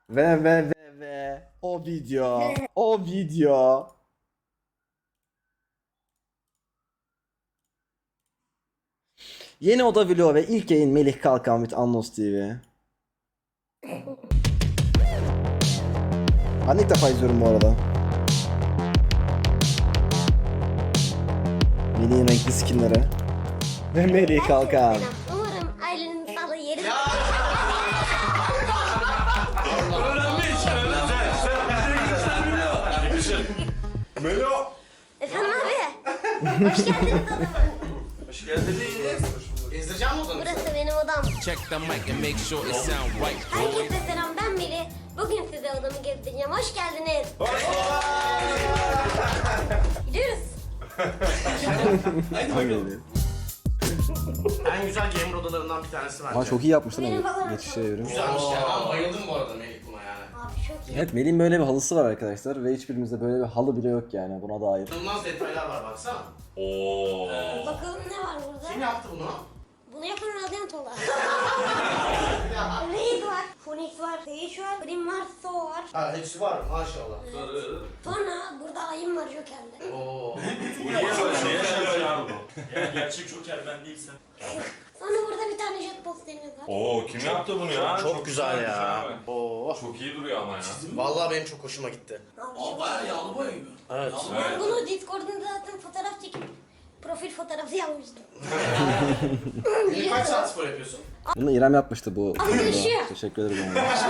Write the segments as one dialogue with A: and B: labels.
A: Ve o video. O video. Yeni oda vlog ve ilk yayın Melih Kalkan with Anlos TV. Ben ilk defa izliyorum bu arada. Melih'in renkli skinleri. Ve Melih Kalkan.
B: Umarım ailenin sağlığı yeri.
C: Melo.
B: Efendim abi. Hoş geldiniz odama.
C: Hoş geldiniz. Gezdireceğim mi odanı?
B: Burası benim odam.
D: Check the mic and make sure it sound right, boys.
B: Herkese selam, ben Melih. Bugün size odamı gezdireceğim. Hoş geldiniz. Gidiyoruz.
C: Haydi bakalım. En güzel gamer odalarından bir tanesi bence.
A: Ama çok iyi yapmışlar
B: Benim
A: ama
B: falan.
A: geçişe yorum.
C: Güzelmiş ya. Ben bayıldım bu arada Melih buna yani.
B: Abi çok iyi.
A: Evet, Melih'in böyle bir halısı var arkadaşlar ve hiçbirimizde böyle bir halı bile yok yani buna dair.
C: İnanılmaz detaylar var baksana.
B: Bakalım ne var burada?
C: Kim yaptı bunu?
B: Bunu yapan Radyantolar. Raid var, Phoenix var, Sage var, Brim var, So var.
C: Ha hepsi var maşallah.
B: Sonra burada ayım var Joker'de.
C: Oo.
E: Gerçek Joker ben değilsem.
B: Sonra burada bir tane jet posterimiz var.
E: Oo kim yaptı bunu ya?
C: Çok güzel
E: güzelmiş
C: ya.
E: abi.
C: Oo.
E: Çok iyi duruyor ama ya.
C: Vallahi benim çok hoşuma gitti.
B: Abi çok
E: Bayağı yağlı boya gibi.
C: Evet.
B: Ben bunu Discord'da zaten fotoğraf çekip profil fotoğrafı yapmıştım.
C: Melih kaç saat spor yapıyorsun?
A: Bunu İrem yapmıştı bu.
B: Ama yaşıyor.
A: Teşekkür ederim.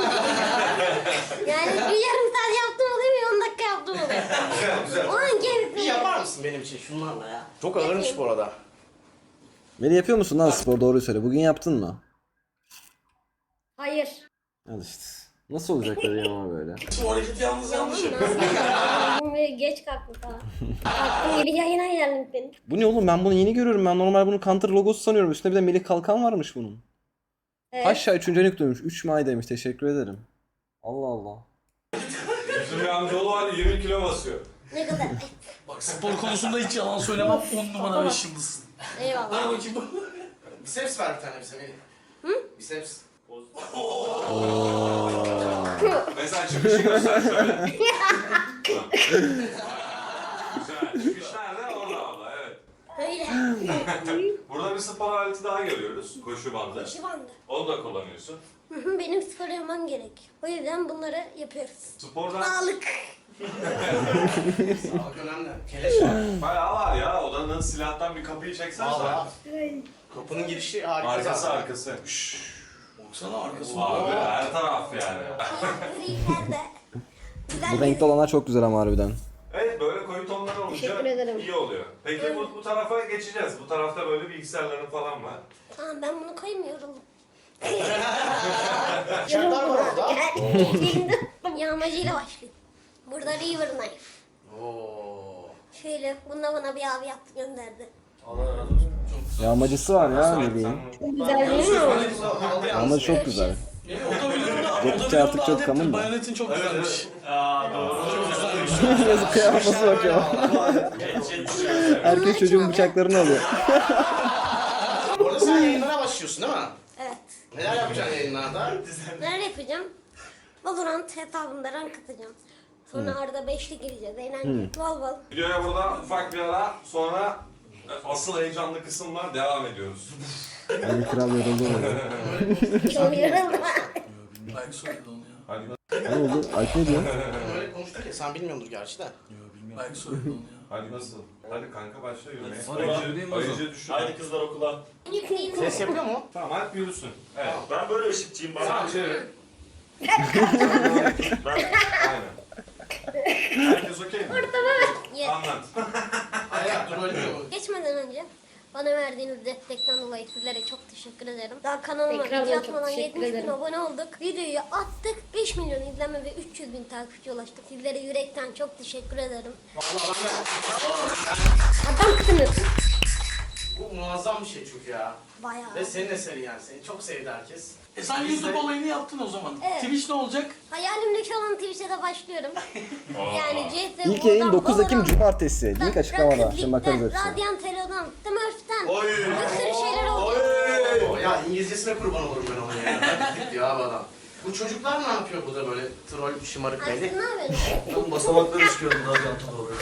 B: Yani bir yarım saat yaptım oluyor, bir 10 dakika yaptım oluyor. O an
C: Bir
B: kendisi.
C: yapar mısın benim için şunlarla ya? Çok ağırmış bu arada.
A: Melih yapıyor musun lan spor, doğruyu söyle. Bugün yaptın mı?
B: Hayır.
A: Al işte. Nasıl olacak bebeğim ama böyle?
E: Bu hareketi yalnız yanlış.
B: Geç kalktım falan. Kalktım gibi yayına geldim benim.
A: Bu ne oğlum, ben bunu yeni görüyorum. Ben normal bunu Counter logosu sanıyorum. Üstünde bir de Melih Kalkan varmış bunun.
B: Evet.
A: Aşağı 3. renk dönmüş. 3 May demiş. Teşekkür ederim. Allah Allah.
E: Bizim bir amcaoğlu var 20 kilo basıyor.
B: Ne kadar?
F: Bak spor konusunda hiç yalan söylemem. 10 numara 5 yıldızsın.
B: Eyvallah.
C: Biceps ver bir tane bize Melih. Biceps.
E: Mesela çıkışı göster şöyle. Güzel. Çıkış nerede? Orada abla evet.
B: Öyle.
E: Burada bir spor aleti daha görüyoruz. Koşu bandı.
B: Koşu bandı.
E: Onu da kullanıyorsun.
B: Benim spor yapmam gerek. O yüzden bunları yapıyoruz.
E: Spordan
B: Sağlık.
C: Sağlık önemli. Keleş var.
E: bayağı var ya. Odanın silahtan bir kapıyı çeksen
C: Valla.
E: sen.
C: Kapının girişi harika
E: Arkası
C: zaten.
E: arkası.
F: Baksana arkası.
E: Abi her taraf yani.
B: Griler de. Güzel
A: Bu renkli olanlar çok güzel ama harbiden.
E: Evet böyle koyu tonlar
B: Teşekkür
E: olunca
B: ederim.
E: iyi oluyor. Peki bu tarafa geçeceğiz. Bu tarafta böyle bilgisayarların falan var.
B: Tamam, ben bunu koymuyorum.
C: Bıçaklar var orada.
B: Yağmacıyla başlayayım. Burada River Knife.
C: Oo.
B: Şöyle, bunda bana bir abi yaptı gönderdi.
A: Yağmacısı var ya Melih'in.
B: Güzel değil mi?
A: Yağmacı çok güzel.
F: O da videomda,
A: Redditte artık çok common da.
F: Bayonetin çok güzelmiş.
A: Yazık, kıyafası bakıyor. Herkes çocuğun bıçaklarını alıyor.
C: Orada sen yayınlara başlıyorsun değil mi?
B: Evet.
C: Neler yapacaksın yayınlarda?
B: Neler yapacağım? Valorant hesabında rank atacağım. Sonra arada 5'li gireceğiz. Eğlenceli. Bol bol.
E: Videoya burada ufak bir ara sonra asıl heyecanlı kısımlar devam ediyoruz.
A: Ali Kral yoruldu orada.
B: Çok yarıldım.
F: Belki söyledi onu ya.
E: Hadi,
A: Ne oldu? Alp ne diyor?
C: Öyle konuştuk ya sen bilmiyordur gerçi de.
F: Belki söyledi onu ya.
E: hadi nasıl? Hadi kanka başla yürümeye.
F: Hadi,
E: Ayıcı düşün.
G: Haydi kızlar okula.
C: Ses yapıyor mu?
E: Tamam Alp yürüsün. Evet.
G: Ben böyle ışıkçıyım bana.
E: Sen çevir. Aynen. Herkes okey mi?
B: Yes.
E: Anlat.
C: Hayır dur öyle diyor.
B: Geçmeden önce bana verdiğiniz destekten dolayı sizlere çok teşekkür ederim. Daha kanalıma
H: Tekrardan
B: video
H: çok
B: atmadan
H: teşekkür
B: 70 bin
H: ederim.
B: abone olduk. Videoyu attık, 5 milyon izlenme ve 300 bin takipçi ulaştık. Sizlere yürekten çok teşekkür ederim. Adamsınız.
C: Bu muazzam bir şey çünkü ya.
B: Bayağı.
C: Ve senin eseri yani. Seni çok sevdi herkes.
F: Sen
C: Biz
F: YouTube
C: de-
F: olayını yaptın o zaman.
B: Evet.
F: Twitch ne olacak?
B: Hayalimdeki olan Twitch'e de başlıyorum. Yani CS,
A: İlk yayın
B: War'dan,
A: 9 Ekim
B: Valorant,
A: Cumartesi. Link açıklamada. Şimdi bakarız hepsine.
B: Radiant Hero'dan, Smurf'ten,
E: Oy.
B: bir sürü şeyler oldu.
C: Ya İngilizcesine kurban olurum ben onun ya. Hadi diyor abi adam. Bu çocuklar ne yapıyor burada böyle troll şımarık
B: Aşkım
C: Melih?
B: ne yapıyorsun?
F: Ben basamakları çıkıyordum daha canlı oluyor.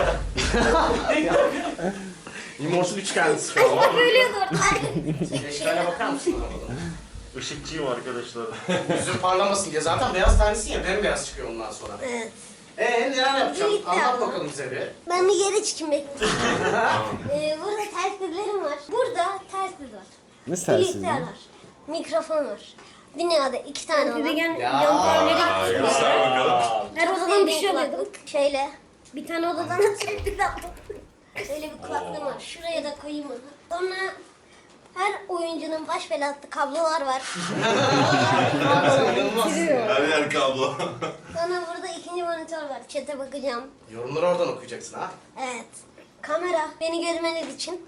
C: Immortal üç kendisi şu an.
B: Bölüyordu orada.
C: Eşkale bakar mısın arabada?
G: Işıkçıyım arkadaşlar.
C: Yüzün parlamasın diye. Zaten beyaz tanesin ya bembeyaz çıkıyor ondan sonra.
B: Evet.
C: Neler yapacağım?
B: Birlikte
C: Anlat
B: yapalım.
C: bakalım bize bir.
B: Ben bir yere çıkayım bekle. Burada telsizlerim var. Burada telsiz var.
A: Ne sensin ya?
B: Bilgisayar var. Mikrofon var. Dünyada 2 tane var.
C: Ya.
E: Göster bakalım.
B: Her odadan bir şey alıyordum. Şöyle. Bir tane odadan açıp bir daha. Şöyle bir kulaklığım var. Şuraya da koyayım onu. Sonra her oyuncunun baş belası kablolar var.
E: Her yer kablo.
B: Sonra burada ikinci monitör var. Chat'e bakacağım.
C: Yorumları oradan okuyacaksın ha.
B: Evet. Kamera beni görmeniz için.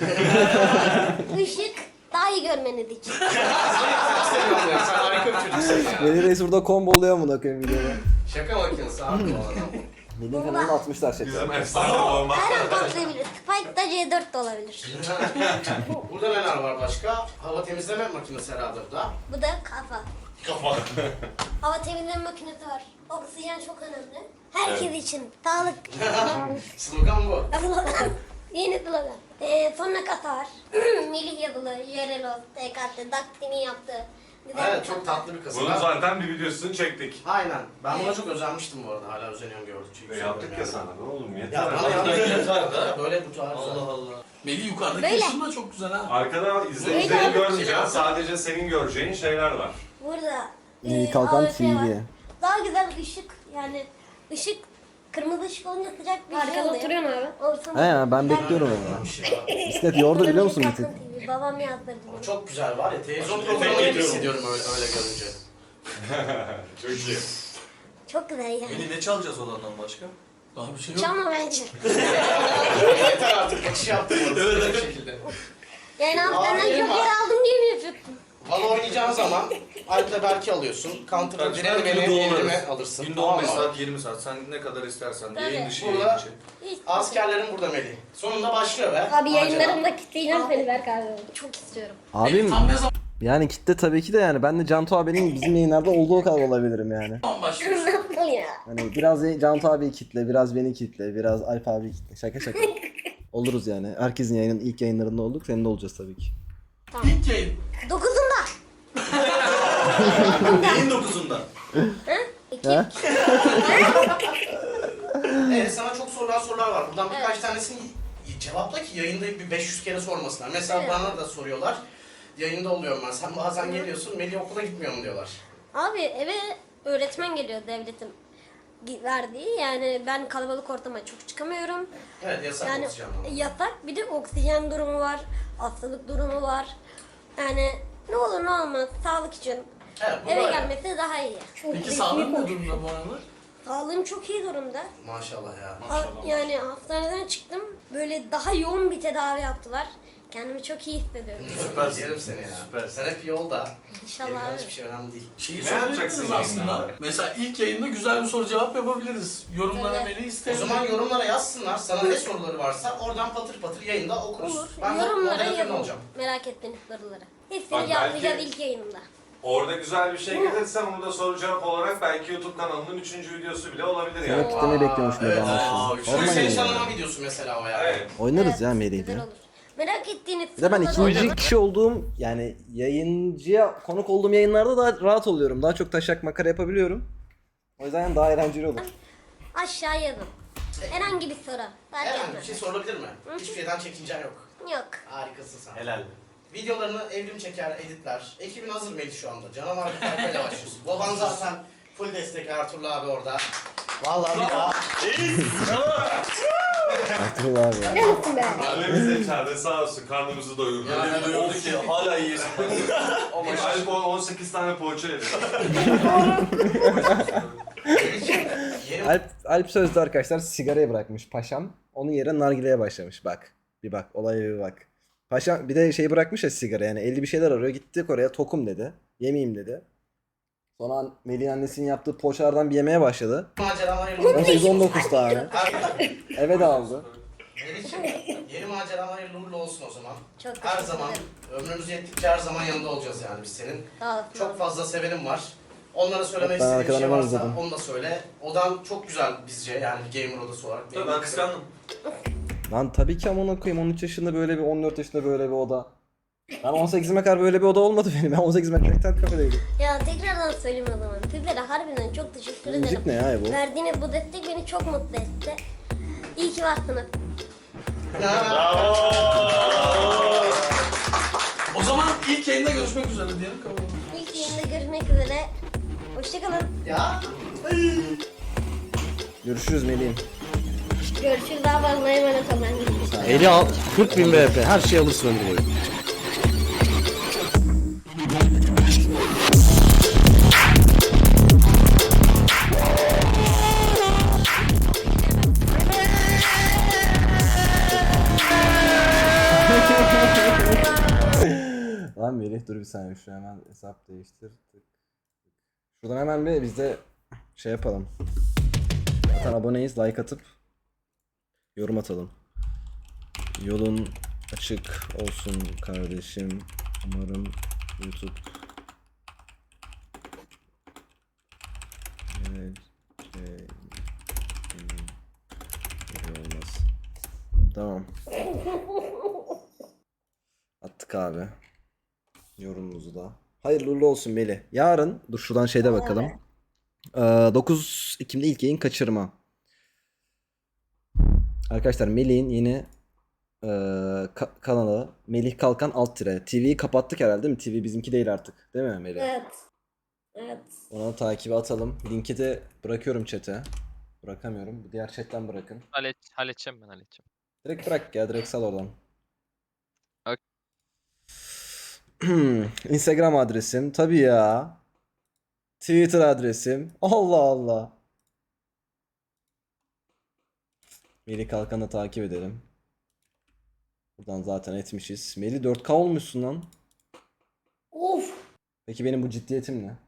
B: Işık daha iyi görmeniz için.
C: Seviyorum ya. Sen harika bir çocuksun ya.
A: Melih Reis burada komboluyor amına koyayım videoda.
C: Şaka makinesi abi bu adam.
A: Melih'in kanalını atmışlar şaka.
E: Bizim efsane olmak.
B: Her an patlayabilir. Spike da C4 de olabilir.
C: Burada neler var başka? Hava temizleme makinesi herhalde bu da.
B: Bu da kafa.
E: Kafa.
B: Hava temizleme makinesi var. Oksijen çok önemli. Herkes için. Sağlık.
C: Slogan bu.
B: Yeni slogan. Sonra kasa var. Melih yazılı, Yerelos, TKT, Daktin'i yaptı. Güzel
C: Evet
B: bir
C: çok
B: kasa.
C: tatlı bir kasa.
E: Bunun zaten bir videosunu çektik.
C: Aynen. Ben buna çok özenmiştim bu arada. Hala özeniyorum gördükçe.
E: Yaptık ya sana ne oğlum
C: Ya
E: yeter.
C: bana
F: Burada
C: yaptık.
F: yeter de.
C: Böyle bu tarz.
F: Allah Allah. Melih yukarıdaki
B: Böyle.
F: ışın da çok güzel ha.
E: Arkada izleyicilerin görmeyeceğin sadece senin göreceğin şeyler var.
B: Burada
A: Melih Kalkan
B: AWP var.
A: TV.
B: Daha güzel ışık yani ışık kırmızı ışık olunca sıcak bir şey oluyor. Oturuyorsun abi. Ortamı.
A: He ya ben bekliyorum onu.
C: Bir şey var.
A: Bisiklet yordu biliyor musun bir tık?
B: Babam yazdırdı
C: O
B: bunu.
C: çok güzel var ya. Televizyon
G: Efekt
C: programı gibi
G: ediyorum.
C: hissediyorum öyle görünce.
E: Çok iyi.
B: Çok güzel yani.
F: Melih ne çalacağız olandan başka? Daha bir şey yok.
B: Çalma bence.
C: Yeter artık. Kaçış yaptım orada. Bir şekilde.
B: Yani abi
C: Aa,
B: benden
C: benim
B: joker
C: var.
B: aldım diye mi yapıyorsun?
C: Valla oynayacağın zaman Alp'le Berk'i alıyorsun. Counter'da direni beni evrime alırsın.
H: Günde
C: Tamam
H: 15
C: mı?
H: saat 20 saat sen ne kadar istersen
B: Tabii.
H: yayın dışı
C: Burada-
H: yayın içi.
B: Hiç.
C: Askerlerim burada Melih. Sonunda başlıyor be.
I: Abi
C: Macera.
I: yayınlarımda kitleyeceğim seni Berk abi.
B: Çok istiyorum.
A: Abim
F: Tam ne zaman
A: yani kitle tabii ki de yani ben de Cantu abinin bizim yayınlarda olduğu kadar olabilirim yani.
F: başlıyorsun?
I: Nasıl ya?
A: Hani biraz Cantu abi kitle, biraz beni kitle, biraz Alp abi kitle. Şaka şaka. Oluruz yani. Herkesin ilk yayınlarında olduk. Senin de olacağız tabii ki.
F: İlk yayın.
B: 9'unda.
H: Neyin 9'unda?
A: Ha?
C: Evet sana çok sorulan sorular var. Buradan birkaç tanesini cevapla ki yayında bir 500 kere sormasınlar. Mesela
B: Evet.
C: bana da soruyorlar. Yayında oluyorum ben. Sen bazen geliyorsun. Melih okula gitmiyor mu diyorlar.
B: Abi eve öğretmen geliyor devletin verdiği. Yani ben kalabalık ortama çok çıkamıyorum.
C: Evet yasak
B: Yani
C: oksijen almak.
B: yasak. Bir de oksijen durumu var. Hastalık durumu var. Yani ne olur ne olmaz sağlık için
C: Evet bu
B: eve
C: böyle.
B: gelmesi daha iyi.
F: Peki sağlığın ne durumda bu aralar?
B: Sağlığım çok iyi durumda.
C: Maşallah ya.
B: Yani hastaneden çıktım. Böyle daha yoğun bir tedavi yaptılar. Kendimi çok iyi hissediyorum.
C: Süper. Yerim seni ya. Süper. Sen hep yolda.
B: İnşallah
C: Geriden
B: abi.
C: hiçbir şey önemli değil.
F: Şeyi
E: Ne
F: sorabiliriz
E: yapacaksın
F: aslında.
E: yayında?
F: Mesela ilk yayında güzel bir soru cevap yapabiliriz. Yorumlara
B: Evet.
F: Melih
C: O
F: isterim.
C: zaman yorumlara yazsınlar. Sana ne soruları varsa oradan patır patır yayında okuruz.
B: Olur.
C: Ben de
B: Yorumlara
C: moderatörün
B: yazın.
C: olacağım.
B: Merak ettiğiniz soruları. Hepsini
E: Bak
B: cevaplayacağız
E: belki-
B: ilk yayınımda.
E: Orada güzel bir şey gelirse bunu da soru cevap olarak belki YouTube kanalının 3. videosu bile olabilir yani.
A: Evet kitlemeyi bekliyormuş
C: Evet.
A: Melih
C: Aa,
A: anlaşılan.
C: Şimdi
A: Sormayın
C: seni
A: yani.
C: tanıma videosu mesela o yani.
E: Evet.
A: Oynarız ya
B: Evet,
A: Melih'le.
B: güzel olur. Merak ettiğiniz
A: Bir de ben
B: soruları
A: ikinci
B: olur.
A: kişi olduğum yani yayıncıya konuk olduğum yayınlarda daha rahat oluyorum. Daha çok taşak makara yapabiliyorum. O yüzden daha eğlenceli olur.
B: Aşağı yazın. Herhangi bir soru. Fark
C: Herhangi bir
B: etmez.
C: şey sorulabilir mi? Hiçbir şeyden çekincen yok.
B: Yok.
C: Harikasın sen.
G: Helal.
C: Videolarını evrim çeker, editler. Ekibin hazır Melih şu anda. Canavar bir tayfayla başlıyorsun. Baban zaten full destek Ertuğrul abi orada. Vallahi bir daha.
A: Ertuğrul abi.
I: Ne mutlu be.
E: Annemiz de içeride sağ olsun karnımızı doyurdu.
C: Yani
F: Duyurdu ki hala iyiyiz.
E: Ama Alp 18 tane poğaça yedi.
C: Yeni
A: Alp sözde arkadaşlar sigarayı bırakmış paşam. Onun yerine nargileye başlamış bak. Bir bak olaya bir bak. Paşam bir de şey bırakmış ya sigara yani 50 bir şeyler arıyor. Gittik oraya tokum dedi. Yemeyeyim dedi. Sonra Melih'in annesinin yaptığı poğaçalardan bir yemeye başladı.
C: maceralar hayırlı
A: 18-19 tane. Eve de aldı.
C: Melih'ciğim, yeni maceralar hayırlı uğurlu olsun o zaman.
B: Çok
C: Her
B: teşekkür
C: zaman,
B: ederim.
C: ömrümüz yettikçe her zaman yanında olacağız yani biz senin.
B: Sağ olsun.
C: Çok fazla sevenim var. Onlara söylemek
A: Ben
C: istediğim
A: arkadan
C: şey
A: hemen
C: varsa
A: izledim.
C: onu da söyle. Odan çok güzel bizce yani bir gamer odası olarak.
H: Tabii ben kıskandım.
A: Lan tabii ki amına koyayım 13 yaşında böyle bir 14 yaşında böyle bir oda. Ben 18'ime kadar böyle bir oda olmadı benim. Ben 18'ime kadar internet kafedeydim.
B: Ya tekrardan söyleyeyim o zaman. Sizlere harbiden çok teşekkür ederim.
A: Müzik ne ya bu?
B: Verdiğiniz bu destek beni çok mutlu etti. İyi ki varsınız.
F: O zaman ilk yayında görüşmek üzere diyelim. Kabul.
B: İlk yayında görüşmek üzere. Hoşçakalın.
C: Ya.
A: Görüşürüz Melih'im.
I: Görüşürüz, daha fazla emanet olun.
J: Eli al 40.000 VP her şeyi alırsın ömür boyu.
A: Lan Melih dur bir saniye şu hemen hesap değiştir. Şuradan hemen bir biz de şey yapalım. Zaten aboneyiz, like atıp yorum atalım. Yolun açık olsun kardeşim. Umarım YouTube olmaz. Tamam. Attık abi. Yorumumuzu da. Hayırlı uğurlu olsun Melih. Yarın dur şuradan şeyde bakalım. 9 Ekim'de ilk yayın kaçırma. Arkadaşlar Melih'in yeni kanalı Melih Kalkan alt tire. TV'yi kapattık herhalde değil mi? TV bizimki değil artık. Değil mi Melih?
I: Evet. Evet.
A: Ona takibi atalım. Linki de bırakıyorum chat'e. Bırakamıyorum. Diğer chat'ten bırakın.
K: Halledeceğim ben halledeceğim.
A: Direkt bırak ya. Direkt sal oradan.
K: Ok.
A: Instagram adresim. Tabii ya. Twitter adresim. Allah Allah. Melih Kalkan'ı takip edelim. Buradan zaten etmişiz. Melih 4K olmuşsun lan.
I: Of.
A: Peki benim bu ciddiyetim ne?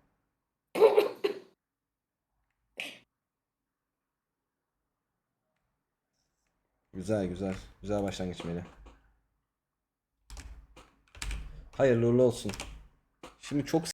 A: Güzel güzel. Güzel başlangıç Melih. Hayırlı uğurlu olsun. Şimdi çok